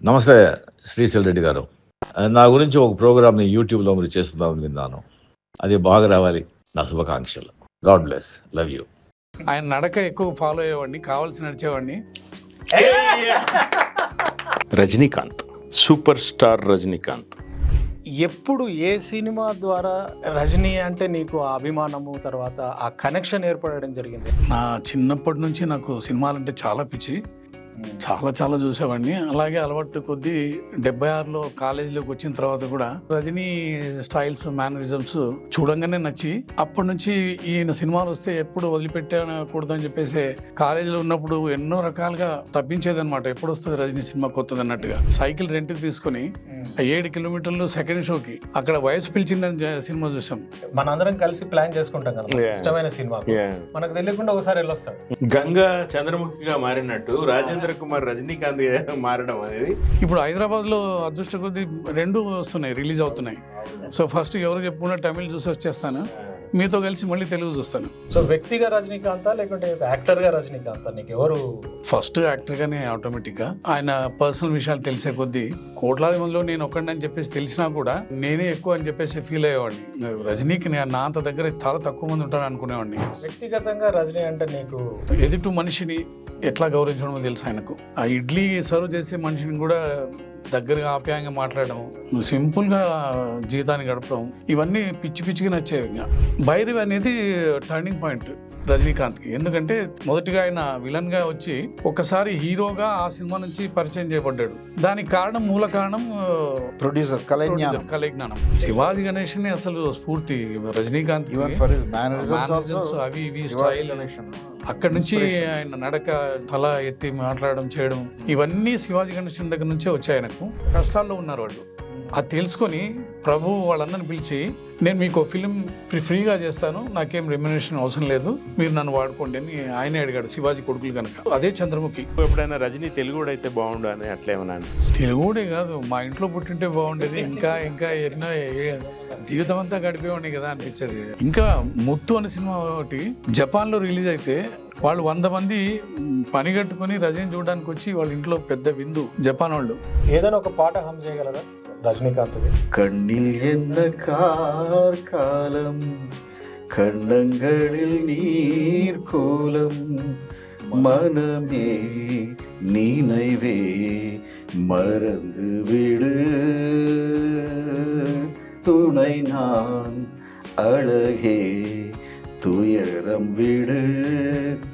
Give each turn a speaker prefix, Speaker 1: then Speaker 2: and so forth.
Speaker 1: నమస్తే శ్రీశైల్ రెడ్డి గారు. నా గురించి ఒక ప్రోగ్రామ్‌ని యూట్యూబ్‌లో మీరు చేస్తున్నారని విన్నాను. అది బాగా రావాలి. నా శుభాకాంక్షలు. God bless. Love you.
Speaker 2: ఆయన నడక ఎక్కువ ఫాలో అయ్యేవాడిని, కావాల్సి నడిచేవాడిని.
Speaker 3: Rajinikanth, super star Rajinikanth.
Speaker 4: ఎప్పుడు ఏ సినిమా ద్వారా రజనీ అంటే నీకు ఆ అభిమానము, తర్వాత ఆ కనెక్షన్ ఏర్పడడం జరిగింది?
Speaker 2: నా చిన్నప్పటి నుంచి నాకు సినిమాలంటే చాలా పిచ్చి. చాలా చూసేవాడిని. అలాగే అలవాటు కొద్దీ 76లో కాలేజీలోకి వచ్చిన తర్వాత కూడా రజనీ స్టైల్స్, మేనరిజమ్స్ చూడంగానే నచ్చి అప్పటి నుంచి ఈయన సినిమాలు వస్తే ఎప్పుడు వదిలిపెట్టకూడదు అని చెప్పేసి కాలేజీలో ఉన్నప్పుడు ఎన్నో రకాలుగా తప్పించేదన్నమాట. ఎప్పుడు వస్తుంది రజనీ సినిమా కొత్తది అన్నట్టుగా సైకిల్ రెంట్కి తీసుకొని 7 కిలోమీటర్లు సెకండ్ షోకి అక్కడ వయసు పిలిచిందని సినిమా చూసాం.
Speaker 4: మనందరం కలిసి ప్లాన్ చేసుకుంటాం కదా ఇష్టమైన సినిమా, మనకు తెలియకుండా ఒకసారి వెళ్ళొస్తాడు.
Speaker 3: గంగా చంద్రముఖిగా మారినట్టు రాజేంద్ర కుమార్ రజనీకాంత్ మారడం అనేది
Speaker 2: ఇప్పుడు హైదరాబాద్లో అదృష్ట కొద్దీ 2 వస్తున్నాయి, రిలీజ్ అవుతున్నాయి. సో ఫస్ట్ ఎవరు చెప్పుకున్నా తమిళ్ చూసి వచ్చేస్తాను, మీతో కలిసి మళ్ళీ తెలుగు చూస్తాను.
Speaker 4: సో వ్యక్తిగా రజనీకాంత్ లేకుంటే యాక్టర్గా రజనీకాంత్ నీకు ఎవరు?
Speaker 2: ఫస్ట్ యాక్టర్గానే ఆటోమేటిక్గా. ఆయన పర్సనల్ విషయాలు తెలిసే కొద్దీ కోట్లాది మందిలో నేను ఒక్కడిని చెప్పేసి తెలిసినా కూడా నేనే ఎక్కువ అని చెప్పేసి ఫీల్ అయ్యేవాడిని. రజనీకి నా అంత దగ్గర చాలా తక్కువ మంది ఉంటాను అనుకునేవాడిని.
Speaker 4: వ్యక్తిగతంగా రజనీ అంటే నీకు
Speaker 2: ఎదుటి మనిషిని ఎట్లా గౌరవించడమో తెలుసు ఆయనకు. ఆ ఇడ్లీ సర్వ్ చేసే మనిషిని కూడా దగ్గరగా ఆప్యాయంగా మాట్లాడడం, సింపుల్గా జీవితాన్ని గడపడం, ఇవన్నీ పిచ్చిగా నచ్చేవి. ఇంకా భైరవి అనేది టర్నింగ్ పాయింట్ రజనీకాంత్కి. ఎందుకంటే మొదటిగా ఆయన విలన్గా వచ్చి ఒకసారి హీరోగా ఆ సినిమా నుంచి పరిచయం చేయబడ్డాడు. దానికి మూల కారణం
Speaker 5: ప్రొడ్యూసర్
Speaker 2: కళజ్ఞానం. శివాజీ గణేష్ని అసలు స్ఫూర్తి రజనీకాంత్. అవి ఇవి స్టైల్ అక్కడి నుంచి ఆయన నడక, తల ఎత్తి మాట్లాడడం, చేయడం, ఇవన్నీ శివాజీ గణేషన్ దగ్గర నుంచే వచ్చాయి. ఆయనకు కష్టాల్లో ఉన్నారు వాళ్ళు. అది తెలుసుకొని ప్రభు వాళ్ళందరిని పిలిచి, నేను మీకు ఫిలిం ఫ్రీగా చేస్తాను, నాకేం రెమ్యునరేషన్ అవసరం లేదు, మీరు నన్ను వాడుకోండి అని ఆయనే అడిగాడు, శివాజీ కొడుకులు కనుక. అదే చంద్రముఖి.
Speaker 3: ఎప్పుడైనా రజనీ తెలుగుడు అయితే బాగుండు అని అట్లేమన్నా?
Speaker 2: తెలుగుడే కాదు, మా ఇంట్లో పుట్టింటే బాగుండేది, ఇంకా ఎన్నో జీవితం అంతా గడిపేవాడిని కదా అనిపించేది. ఇంకా ముత్తు అనే సినిమా ఒకటి జపాన్లో రిలీజ్ అయితే వాళ్ళు 100 మంది పని కట్టుకుని రజనీ చూడడానికి వచ్చి వాళ్ళ ఇంట్లో పెద్ద విందు జపాన్ వాళ్ళు.
Speaker 4: ఏదైనా ఒక పాట హమ్ చేయగలరా రజనీకాంత్?
Speaker 5: கண்ணில் என்ன காலம் கண்டங்களில் நீர் கோலம் மனமே நினைவே மறந்து விடு துணை நான் அழகே துயரம் விடு